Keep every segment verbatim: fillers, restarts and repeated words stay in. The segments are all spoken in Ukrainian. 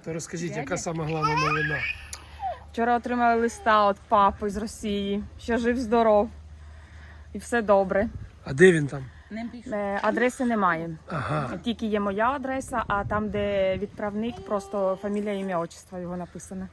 То розкажіть, яка сама головна новина? Вчора отримали листа від папи з Росії, що жив-здоров. І все добре. А де він там? Е, Адреси немає. Ага. Тільки є моя адреса, а там, де відправник, просто фамілія, ім'я, отчество його написано.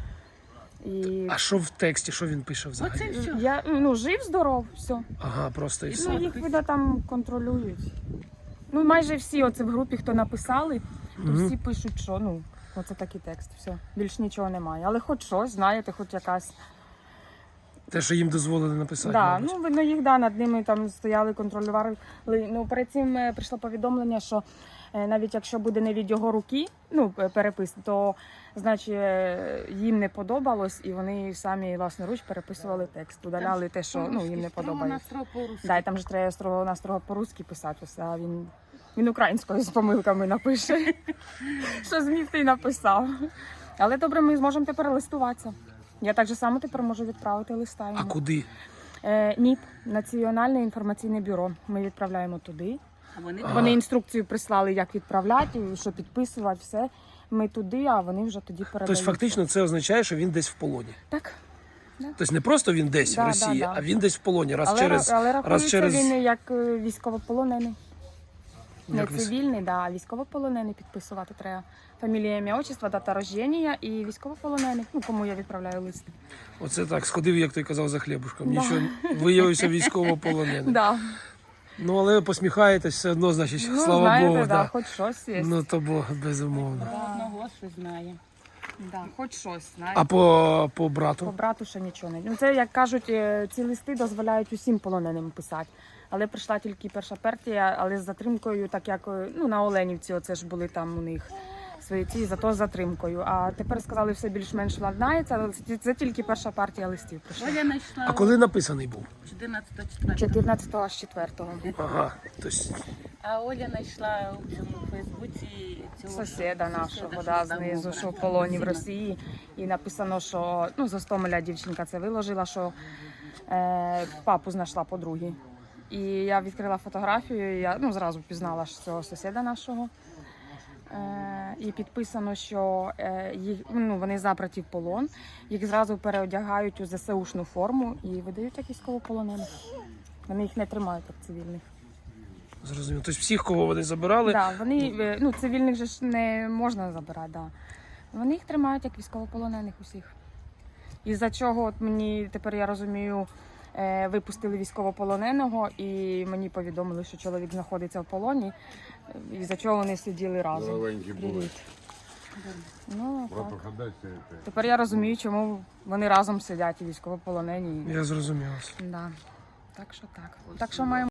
І А що в тексті, що він пише взагалі? я, ну, жив-здоров, все. Ага, просто і Ну, все. їх, видно, там контролюють. Ну, майже всі оце в групі, хто написали, то Мгм. всі пишуть, що, ну, оце такий текст, все. Більш нічого немає. Але хоч щось, знаєте, хоч якась. Те, що їм дозволили написати. Да, мабуть. ну, видно, їх, да, над ними там стояли, контролювали. Ну, перед цим е, прийшло повідомлення, що е, навіть якщо буде не від його руки, ну, е, перепис, то, значить, е, їм не подобалось, і вони самі власноруч переписували текст, удаляли те, що, ну, їм не подобається. Да, і там же треба строго на строго по-русски писати, ось, а він, він українською з помилками напише. Що зміг, ти й написав. Але добре, ми зможемо тепер листуватися. Я так же само тепер можу відправити листа йому. А куди? Е, НІП, Національне інформаційне бюро. Ми відправляємо туди. А вони Ага. Вони інструкцію прислали, як відправляти, що підписувати, все. Ми туди, а вони вже тоді передають. Тобто фактично це означає, що він десь в полоні. Так. Тобто не просто він десь Да, в Росії, да, да. а він десь в полоні. Раз Але, через... але раз рахується через... він як е, військовополонений. Не Як ви- цивільний, да, а військовополонений підписувати треба. Фамілія, ім'я, отчество, дата рождення і військовополонений. Ну, кому я відправляю лист. Оце так, сходив, як той казав, за хлібушком. Да. Нічого, виявився військовополоненим. Да. Ну, але посміхаєтесь все одно, значить, Ну, слава знаєте, Богу. да, Да. хоч щось є. Ну, то Бог, безумовно. про одного що знає. Да, хоч щось, знаєте. А по, по По брату? брату ще нічого не. Ну це, як кажуть, е, ці листи дозволяють усім полоненим писати. Але прийшла тільки перша партія, але з затримкою, так як е, ну, на Оленівці, оце ж були там у них свої ці, зато з затримкою. А тепер сказали, все більш-менш владнається, але це, це тільки перша партія листів прийшла. Оля знайшла А коли написаний був? чотирнадцятого четвертого. чотирнадцятого аж четвертого. Ага, тобто А Оля знайшла у цьому Фейсбуці цього Сусіда нашого, сусіда, да, що знизу, давно що в брат. полоні в Сина. Росії. І написано, що ну, з Гостомеля дівчинка це виложила, що е, папу знайшла подруги. І я відкрила фотографію, і я ну, зразу впізнала ж цього сусіда нашого. Е, і підписано, що е, їх, ну, вони забраті в полон, їх зразу переодягають у ЗСУшну форму і видають як військовополонених. Вони їх не тримають як цивільних. зрозуміло. Тобто всіх, кого вони забирали, Да, вони, е, ну, цивільних же ж не можна забирати, да. Вони їх тримають як військовополонених усіх. І за чого от мені тепер я розумію, е, випустили військовополоненого і мені повідомили, що чоловік знаходиться в полоні, і за чого вони сиділи разом. Здоровенькі були. Привіт. Ну, так. Братуха, дай сигарети. Тепер я розумію, чому вони разом сидять і військовополонені. я зрозумів вас. Да. Так що так. Так що маємо.